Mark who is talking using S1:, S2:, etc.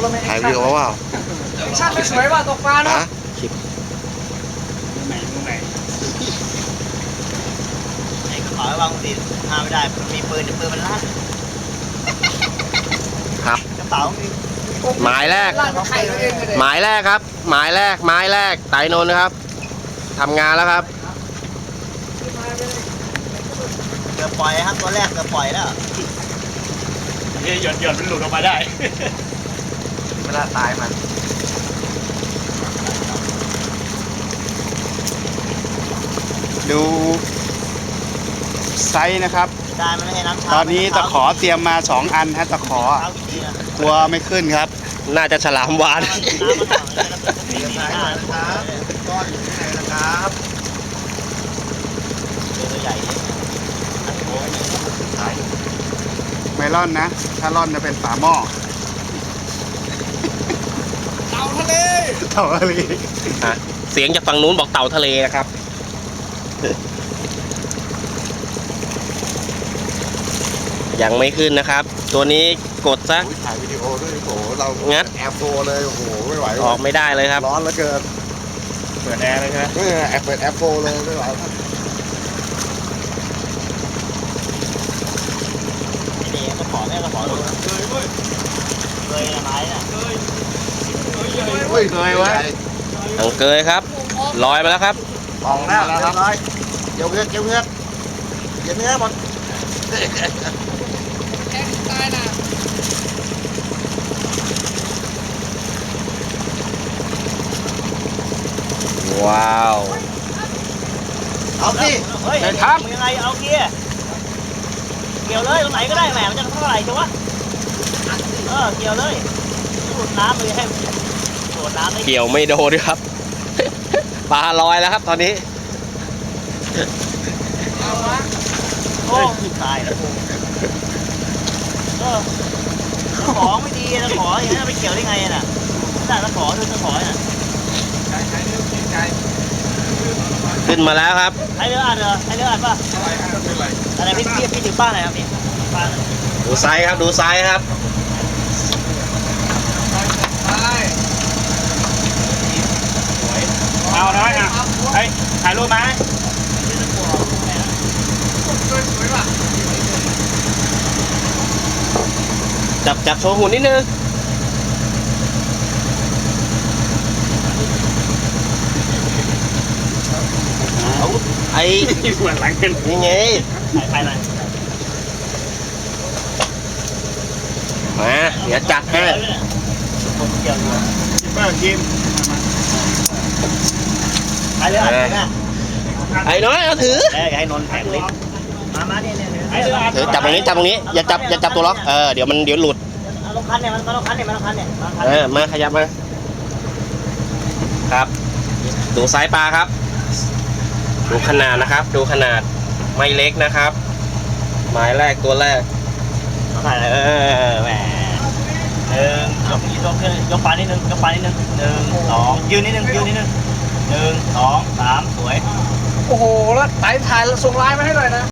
S1: แล้วไม่
S2: ถ่ายวิดีโอเปล่า
S1: แอคชั่นไม่สวยว่ะตกปลาเนาะ
S2: ฮะคลิป
S3: ไหนไอ้กระเป๋าวางติดหาไม่ได้มันมีปืนแต่ปืนมันลั่น
S2: ครับ
S3: กระเป๋ามี
S2: หมายแรก
S1: ลั่นไข่ตัวเองเลย
S2: หมายแรกครับ หมายแรกไม้แรกไต่นนท์นะครับทำงานแล้วครับ
S3: เกือบปล่อยครับตัวแรกเกือบปล่อยแล้ว
S4: หย่อนมันหลุดออกมาได้
S3: เวลาตายมัน
S5: ดูไซส์นะครับ
S3: ได้มันไม่ให้น้ำชา
S5: ตอนนี้ตะขอเตรียมมา2 อันฮะตะขอ
S3: เท้าดีนะ
S5: กลัวไม่ขึ้นครับ
S2: น่าจะฉลามวาน
S3: น้ำมันหอมดีนะครับก้อนอยู่ที่ไหนนะครับตัวใหญ่เลยอันโค้งขาย
S5: ไม่ร่อนนะ ถ้าร่อนจะเป็นฝาหม้อ
S1: เต่าทะเล
S5: เท่าอะไร
S2: อ่ะเสียงจากฝั่งนู้นบอกเต่าทะเลนะครับยังไม่ขึ้นนะครับ ตัวนี้กดซะ
S6: ถ่ายวิดีโอด้วยโอ้โหเรา
S2: งัด
S6: แอบโฟเลยโอ้โหไม่ไหว
S2: ออกไม่ได้เลยครับ
S6: ร้อนเหลือเกิน
S4: เปิดแอร์เลยใช่ไหม
S6: แอบเปิดแอปโฟเลยไม่ไหว
S3: ไม่ดีกระป๋อแม่กระป๋อดูเคยอะไรน่ะ
S6: เฮ้ยเคยไว้
S2: อังเกยครับลอยมาแล้วครับ
S6: ออกแล้วเรียบร้อยเดี๋ยวเงือกเดี๋ยวเงือกเดี๋ยวเนื้อหมด
S1: แกตายนะ
S2: ว้าว
S3: เอาสิเฮ้ยครับยังไงเอาเกียร์เกี่ยวเลยตรงไหนก็ได้แหมมันจะเท่าไหร่จังวะเกี่ยวเลยสูดน้ำเลยให้สูดน้ำได้
S2: เกี่ยวไม่โดนครับ ปลาลอยแล้วครับตอนนี้
S3: โอ้ตายแล้วของไม่ดีนะขออย่างนี้ไปเกี่ยวได้ไงน่ะได้ตะขอดูตะขอน่ะ
S2: ขึ้นมาแล้วครับ
S3: ให้เรืออัดเหรอให้เรืออัดป่ะอะไรพี่ถึงบ้านไหนครับพี่บ้าน
S2: ดูไซส์ครับดูไซส์ครับ
S4: เอาน้อยอ่ะเฮ้ยถ่ายรูปไหม
S1: สวยว่ะ
S2: จับโชว์หุ่นนิดนึงเอาไอ้
S4: เหมือนหลังกัน
S2: นี่ไง
S3: ถ่ายหน่อย
S2: มาเดี๋ยวจัดให้
S3: ผมเกี่ยวอยู่
S4: เมื่อกี้
S3: ให้เรืออัดนะ
S2: ไอ้น้อยเอาถือ
S3: อย่าให้นนแผงลิ้นมาเนี่ย
S4: ให้เรืออัด
S2: ถือจับตรงนี้จับตรงนี้อย่าจับตัวล็อกเดี๋ยวหลุด
S3: ลงคันเนี่ยมันลงคันเนี่ย
S2: มาขยับมาครับ ดูไซส์ปลาครับ ดูขนาดนะครับ ดูขนาดไม่เล็กนะครับ หมายแรกตัวแรก
S3: ถ่ายแหมยกปลานิดนึง1 2ยืนนิดนึง1 2 3สวย
S1: โอ้โหแล้วไต่ถ่ายส่งไลน์มาให้หน่อยนะ